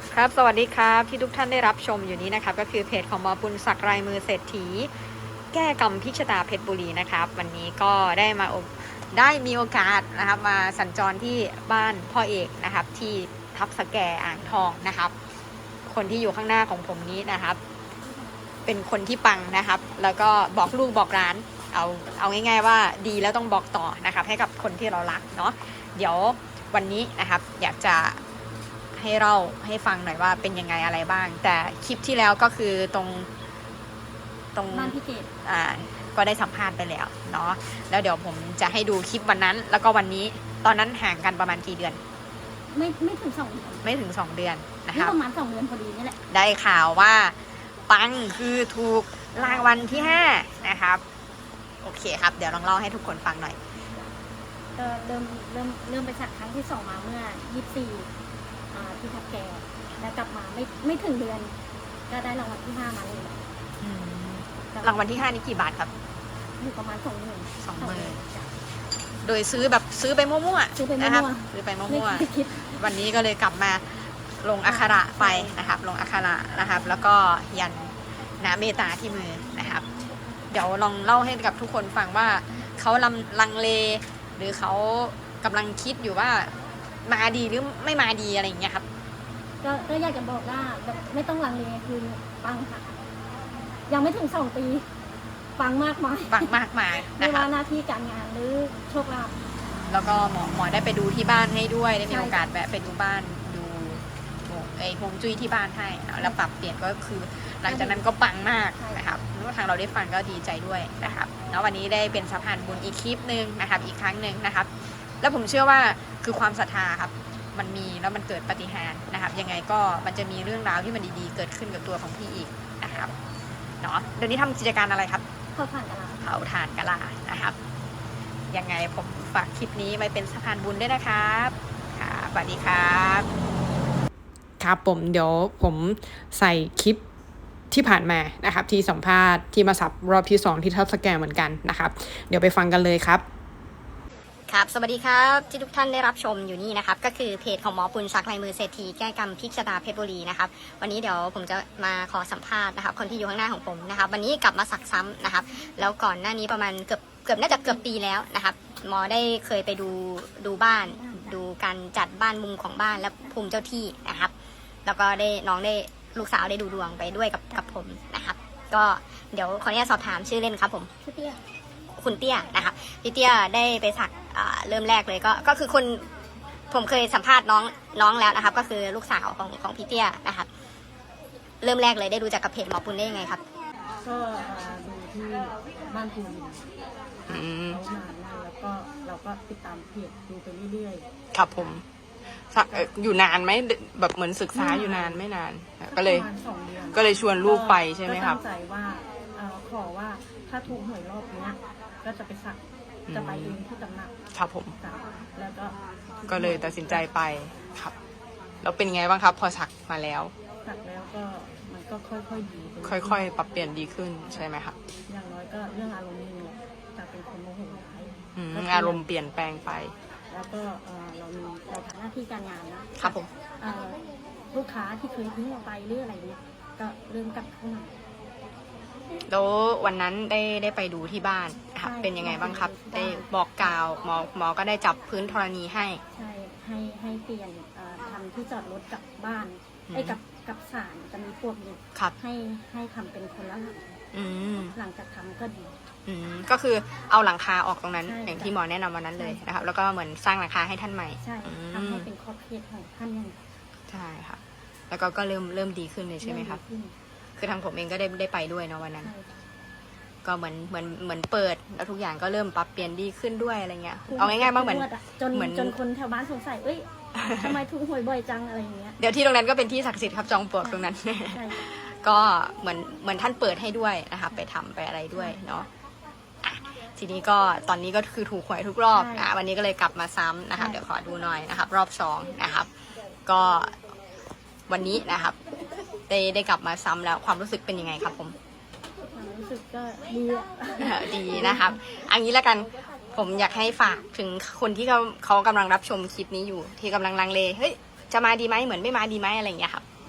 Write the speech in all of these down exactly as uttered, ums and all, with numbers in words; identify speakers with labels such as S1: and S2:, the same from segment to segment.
S1: ครับสวัสดีครับที่ทุกท่านได้รับชมอยู่นี้นะครับก็คือเพจของหมอปุณศักดิ์รายมือเศรษฐีแก้กรรมพิชตาเพชรบุรีนะครับวันนี้ก็ได้มาได้มีโอกาสนะครับมาสัญจรที่บ้านพ่อเอกนะครับที่ทับสแกอ่างทองนะครับคนที่อยู่ข้างหน้าของผมนี้นะครับเป็นคนที่ปังนะครับแล้วก็บอกลูกบอกร้านเอาเอาง่ายๆว่าดีแล้วต้องบอกต่อนะครับให้กับคนที่เรารักเนาะเดี๋ยววันนี้นะครับอยากจะให้เราให้ฟังหน่อยว่าเป็นยังไงอะไรบ้างแต่คลิปที่แล้วก็คือตรงตรง
S2: บ้านพี่เกด
S1: อ่าก็ได้สัมภาษณ์ไปแล้วเนาะแล้วเดี๋ยวผมจะให้ดูคลิปวันนั้นแล้วก็วันนี้ตอนนั้นห่างกันประมาณกี่เดือน
S2: ไม่ไม่ถึงสองเดือน
S1: ไม่ถึงสองเดือนนะครับ
S2: ประมาณสองเดือนพอดีนี่แหละ
S1: ได้ข่าวว่าปังคือถูกรางวัลที่ห้านะครับโอเคครับเดี๋ยวลองเล่าให้ทุกคนฟังหน่อย
S2: ก็เริ่มเริ่มเริ่มไปสักครั้งที่สองมาเมื่อยี่สิบสี่ที่ทับแกแล้วกลับมาไม่ไม่ถึงเดือนก็ได้รางวัลที่ห้ามาเลย
S1: รางวัลที่ห้านี่กี่บาทครับ
S2: อยู่ประมาณสองหมื่น
S1: สองหมื่นโดยซื้อแบบซื้อไปมั่วๆนะครับซื้อไปมั่วๆวันนี้ก็เลยกลับมาลงอักขระไปนะครับลงอักขระนะครับแล้วก็ยันนาเมตาที่มือนะครับเดี๋ยวลองเล่าให้กับทุกคนฟังว่าเขาลำลังเลหรือเขากำลังคิดอยู่ว่ามาดีหรือไม่มาดีอะไรอย่างเงี้ยครับ
S2: ก็ก็อยากจะบอกว่าแบบไม่ต้องลังเลคือปังค่ะยังไม่ถึงสองปีปังมากมาย
S1: ปังมากมาย
S2: ไม่ว่าหน้าที่การงานหรือโชคลาภ
S1: แล้วก็หมอหมอได้ไปดูที่บ้านให้ด้วยได้มีโอกาสแวะไปดูบ้านดูไอ้ฮวงจุ้ยที่บ้านให้แล้วปรับเปลี่ยนก็คือหลังจากนั้นก็ปังมากนะครับทางเราได้ฟังก็ดีใจด้วยนะครับแล้ววันนี้ได้เป็นสะพานบุญอีกคลิปนึงนะครับอีกครั้งหนึ่งนะครับแล้วผมเชื่อว่าคือความศรัทธาครับมันมีแล้วมันเกิดปาฏิหาริย์นะครับยังไงก็มันจะมีเรื่องราวที่มันดีๆเกิดขึ้นกับตัวของพี่อีกนะครับเนาะเดี๋ยวนี้ทำกิจการอะไรครับ
S2: เผาถ่านกะลา
S1: เผาถ่านกะลานะครับยังไงผมฝากคลิปนี้ไว้เป็นสะพานบุญด้วยนะครับค่ะสวัสดีครับครับผมเดี๋ยวผมใส่คลิปที่ผ่านมานะครับที่สัมภาษณ์ที่มาสับรอบที่สองที่ทับสแกนเหมือนกันนะครับเดี๋ยวไปฟังกันเลยครับครับสวัสดีครับที่ทุกท่านได้รับชมอยู่นี่นะครับก็คือเพจของหมอปุณศักดิ์ลายมือเศรษฐีแก้กรรมพิชตาเพชรบุรีนะครับวันนี้เดี๋ยวผมจะมาขอสัมภาษณ์นะครับคนที่อยู่ข้างหน้าของผมนะครับวันนี้กลับมาสักซ้ำนะครับแล้วก่อนหน้านี้ประมาณเกือบเกือบน่าจะเกือบปีแล้วนะครับหมอได้เคยไปดูดูบ้านดูการจัดบ้านมุมของบ้านและภูมิเจ้าที่นะครับแล้วก็ได้น้องได้ลูกสาวได้ดูดวงไปด้วยกับกับผมนะครับก็เดี๋ยวขออนุญาตสอบถามชื่อเล่นครับผม
S2: ชื่อเตี้ย
S1: คุณเตี้ยนะครับพี่เตี้ยได้ไปสักเริ่มแรกเลยก็ก็คือคนผมเคยสัมภาษณ์น้องน้องแล้วนะครับก็คือลูกสาวของของพี่เตี้ยนะครับเริ่มแรกเลยได้ดูจากกับเพจหมอปุณได้ยังไงครับ
S2: ก็ดูที่บ้านคุณ
S1: อืม
S2: แล้วก็เราก็ติดตามเพจดูไปเรื่อย
S1: ๆครับผมอยู่นานไหมแบบเหมือนศึกษาอยู่นานไม่นานก็เลยก็เลยชวนลูกไปใช่ไหมครับ
S2: ก็ตั้งใจว่าขอว่าถ้าถูกหวยรอบนี้ก็จะไปสักจะไปเองที่ตำหนัก
S1: ครับผม
S2: แล้วก็
S1: ก็เลยตัดสินใจไปครับแล้วเป็นไงบ้างครับพอสักมาแล้ว
S2: สักแล้วก็มันก็ค่อยๆดี
S1: ค่อยๆปรับเปลี่ยนดีขึ้นใช่ไหมครับ
S2: อย่างน้อยก็เรื่องอารมณ์นี่จะเป็นคนโมโหร้าย
S1: อารมณ์เปลี่ยนแปลงไป
S2: แล้วก็เรามีเราทำหน้าที่การงานนะครับ
S1: ผม
S2: ลูกค้าที่เคยทิ้งเราไปหรืออะไรเนี้ยก็เริ่มกลับเข้ามา
S1: แล้ววันนั้นได้ได้ไปดูที่บ้านครับเป็นยังไงบ้างครับได้บอกกล่าวหมอหมอก็ได้จับพื้นธรณีให้
S2: ใช่ให้ให้เปลี่ยนทำที่จอดรถกับบ้านไอ้กับกับศาลจะมีพวกอยู่ให้ให้ทำเป็นคนละหลังหลังจากทำก็ดี
S1: ก็คือเอาหลังคาออกตรงนั้นอย่างที่หมอแนะนำวันนั้นเลยนะครับแล้วก็เหมือนสร้างหลังคาให้ท่านใหม่
S2: ใช่ทำให้เป็นครอบครัวของท่านยัง
S1: ใช่ค่ะแล้วก็ก็เริ่มเริ่มดีขึ้นเลยใช่ไหมครับคือทางผมเองก็ได้ได้ไปด้วยเนาะวันนั้นก็เหมือนเหมือนเหมือนเปิดแล้วทุกอย่างก็เริ่มปรับเปลี่ยนดีขึ้นด้วยอะไรเงี้ยเอาง่ายๆบ้างเหมือน
S2: จนเหมือนจนคนแถวบ้านสงสัยเอ้ยทำไมถูกหวยบ่อยจังอะไรอย่างเงี้ย
S1: เดี๋ยวที่ตรงนั้นก็เป็นที่ศักดิ์สิทธิ์ครับจอมปลวกตรงนั้นก็เหมือนเหมือนท่านเปิดให้ด้วยนะครับไปทำไปอะไรด้วยเนาะทีนี้ก็ตอนนี้ก็คือถูกหวยทุกรอบนะวันนี้ก็เลยกลับมาซ้ำนะครับเดี๋ยวขอดูหน่อยนะครับรอบสองนะครับก็วันนี้นะครับได้ได้กลับมาซ้ำแล้วความรู้สึกเป็นยังไงครับผม
S2: ความรู้สึกก็ดี
S1: ดีนะครับอันนี้แล้วกันผมอยากให้ฝากถึงคนที่เขาเขากำลังรับชมคลิปนี้อยู่ที่กำลังลังเลเฮ้ยจะมาดีไหมเหมือนไม่มาดีไหมอะไรอย่างเงี้ยครับ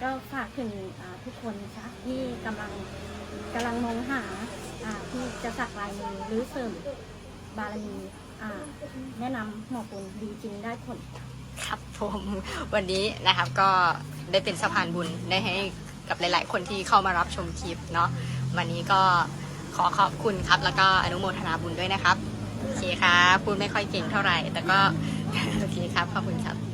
S2: ก็ฝากถึงอ่าทุกคนนะคะที่กำลังกำลังมองหาอ่าที่จะสักลายมือหรือเสริมบารมีอ่าแนะนำหมอปุณดีจริงได้ผล
S1: ครับผมวันนี้นะครับก็ได้เป็นสะพานบุญได้ให้กับหลายๆ คนที่เข้ามารับชมคลิปเนาะวันนี้ก็ขอขอบคุณครับแล้วก็อนุโมทนาบุญด้วยนะครับโอเคครับพูดไม่ค่อยเก่งเท่าไหร่แต่ก็โอเคครับขอบคุณครับ